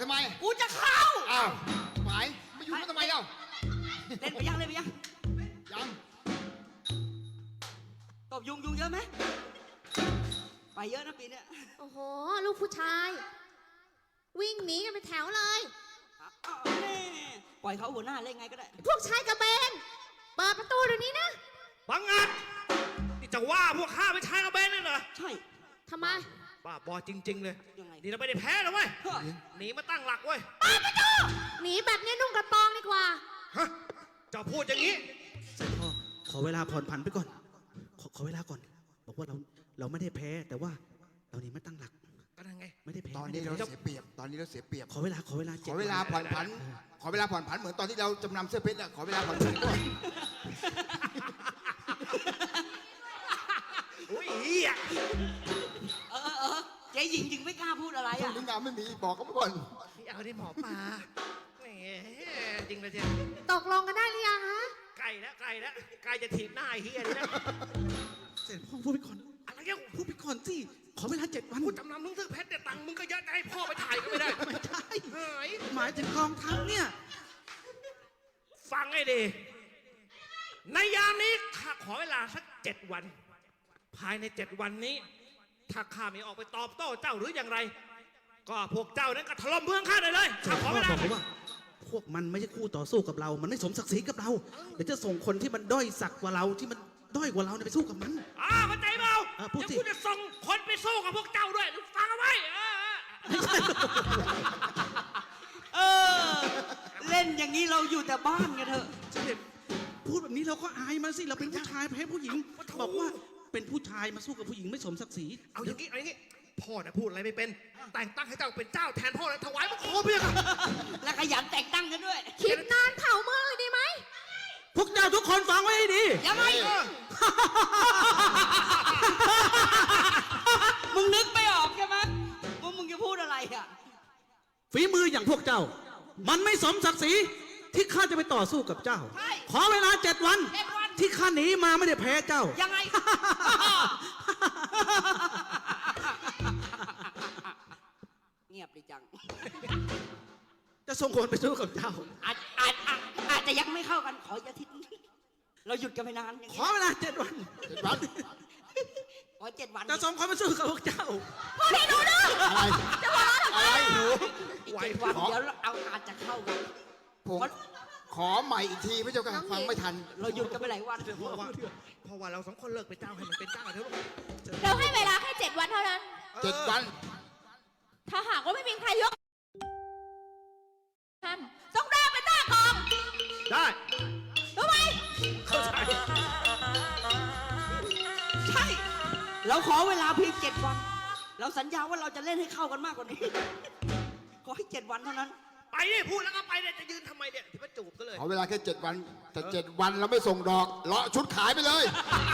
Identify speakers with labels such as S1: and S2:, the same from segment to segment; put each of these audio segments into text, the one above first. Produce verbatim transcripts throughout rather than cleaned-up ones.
S1: ทำไม
S2: กูจะเข้า
S1: อ้าวหมายมาอยู่ทำไมเล่า
S2: เล่นไปยังเล่นไปยัง
S1: ยัง
S2: ตบยุงยุงเยอะไหมไปเยอะนะปีนี้
S3: โอ้โหลูกผู้ชาย วิ่งหนีกันเป็นแถวเลย
S2: ปล่อยเขาหัวหน้าเล่นไงก็ได้
S3: พวกชายกระเบนเปิดประตูเดี๋ยวนี้นะ
S4: บังอาจนี่จะว่าพวกข้าเป็นชายกระเบนเลยเหรอ
S2: ใช่
S3: ทำไม
S4: บ้าบอจริงๆเลยนี่เราไม่ได้แพ้นะเว้ยหนีมาตั้งหลักเว้ย
S3: เปิดประตูหนีแบบนี้นุ่งกระโปรงดีกว่า
S4: ฮะจะพูดอย่างนี้
S5: เสร็จพ่อขอเวลาผ่อนผันไปก่อนขอขอเวลาก่อนบอกว่าเราเราไม่ได้แพ้แต่ว่าเราหนีมาตั้งหลัก
S4: ก็ได้ไง
S5: ไม่ได้แพ้
S1: ตอนนี้เราเสียเปรียบตอนนี้เราเสียเปรียบ
S5: ขอเวลาขอเวลา
S1: ขอเวลาผ่อนผันขอเวลาผ่อนผันเหมือนตอนที่เราจำนำเสื้อเพชรอะขอเวลาผ่อนผันด้วย
S4: อุ้ยเฮีย
S2: เออเออเจ๊หญิงจึงไม่กล้าพูดอะไรอ่ะ
S1: ลิงดาไม่มีบอกเขาไปก่อน
S4: เอาได้หมอปลาแหมจริงเลยเจ๊
S3: ตกลงกันได้หรือยังฮะ
S4: ไก่แล้วไก่แล้วไก่จะถีบหน้าไอ้เฮียนี่นะ
S5: เสร็จพ่อพูดไปก่อน
S4: อะไรเงี้ย
S5: พูดไปก่อนสิขอเวลาเจ็ดวัน
S4: พูดจำนำมึงซื้อเพชรแต่ตังค์มึงก็เยอะจะให้พ่อไปถ่ายก็ไม่ได้
S5: ไม่ใช่หมายถึงกองทัพเนี่ย
S4: ฟังให้ดีในยามนี้ข้าขอเวลาสักเจ็ดวันภายในเจ็ดวันนี้ถ้าข้าไม่ออกไปตอบโต้เจ้าหรืออย่างไรก็พวกเจ้านั้นก็ถล่มเมืองข้าได้เลยข้าขอเวลา
S5: บอกว่าพวกมันไม่ใช่คู่ต่อสู้กับเรามันไม่สมศักดิ์ศรีกับเราเดี๋ยวจะส่งคนที่มันด้อยศักดิ์กว่าเราที่มันด้อยกว่าเราไปสู้กับมัน
S4: อ่าเข้าใจเปล่าเดี๋ยวกูจะส่งคนไปสู้กับพวกเจ้าด้วยฟังเอาไว้
S2: เออเล่นอย่างนี้เราอยู่แต่บ้านกันเถอะ
S5: พูดแบบนี้เราก็อายมาสิเราเป็นผู้ชายแพ้ผู้หญิงบอกว่าเป็นผู้ชายมาสู้กับผู้หญิงไม่สมศักดิ์ศรี
S4: เอาอย่างนี้เอาอย่างนี้พ่อน่ะพูดอะไรไม่เป็นแต่งตั้งให้เจ้าเป็นเจ้าแทนพ่อแล้วถวายพระโคมเพียง
S2: แล้วขยันแต่งตั้งกันด้วย
S3: คิดนานเผาเมืองเลยดีไหม
S5: พวกเจ้าทุกคนฟังไว้ให้ดี
S2: ยังไงมึงนึกไม่ออกใช่ไหมว่ามึงจะพูดอะไรอ่ะ
S5: ฝีมืออย่างพวกเจ้ามันไม่สมศักดิ์ศรีที่ข้าจะไปต่อสู้กับเจ้าขอเวลาเจ็ดวันที่ข้าหนีมาไม่ได้แพ้เจ้า
S2: ยังไงเงียบดีจัง
S5: จะส่งคนไปสู้กับเจ้า
S2: อาจอาจอาจจะยังไม่เข้ากันขออย่าทิศเราหยุดกันไปนาน
S5: ขอเวลาเจ็ดวัน
S1: เจ็ดวัน
S2: ขอเจ็ดวัน
S5: จะส่งคนไปสู้กับพวกเจ้า
S3: พ่อให้หนูดู
S1: อะไร
S3: จะบอก
S1: อะไรหนู
S2: เจ็ดวันเดี๋ยวเอาอาจจะเข้ากัน
S1: ผมขอใหม่อีกทีพระเจ้าค่ะฟังไม่ทัน
S2: เราหยุดกันไปหลายวัน
S4: เพราะว่าเพราะว่าเราสองคนเลิกเป็นเจ้าให้มันเป็นเจ้าเถอะ
S3: เราให้เวลาแค่เจ็ดวันเท่านั้น
S1: เจ็ดวัน
S3: ถ้าหากว่าไม่มีใครยกท่านต้องได้เป็นหน้ากอง
S4: ได้
S3: รู้ไหม
S4: เข้าใจ
S2: ใช่เราขอเวลาเพียงเจ็ดวันเราสัญญาว่าเราจะเล่นให้เข้ากันมากกว่านี้ขอให้เจ็ดวันเท่านั้น
S4: ไปดิพูดแล้วก็ไปเนี่ยจะยืนทำไมเนี่ยที่มาจูบก็เลย
S1: ขอเวลาแค่เจ็ดวันแต่เจ็ดวันเราไม่ส่งดอกเลาะชุดขายไปเลย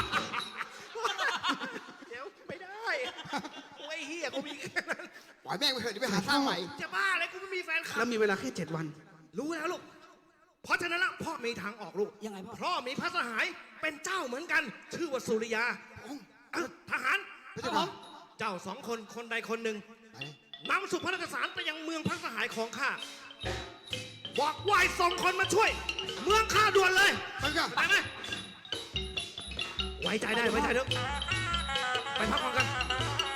S4: เดี๋ยวไม่ได้โอ้ยเฮียกูมีแค่นั้น
S1: ปล่อยแม่งไปเถอะเดี๋ยวไปหาสร้างใหม่
S4: จะบ้าอะไรกูไม่มีแฟนคลับ
S5: แล้วมีเวลาแค่เจ็ดวัน
S4: รู้แล้วลูกเพราะฉะนั้นละพ่อมีทางออกลูก
S2: ยังไงพ่อ
S4: พ่อมีพระสหายเป็นเจ้าเหมือนกันชื่อว่าสุริยาทหารเจ้าสองคนคนใดคนหนึ่งนำสุภราชสารไปยังเมืองพระสหายของข้าบอกวายส่งคนมาช่วยเมืองข้าด่วนเลยไปไหมไว้ใจได้ไว้ใจเถอะไปพักผ่อนกัน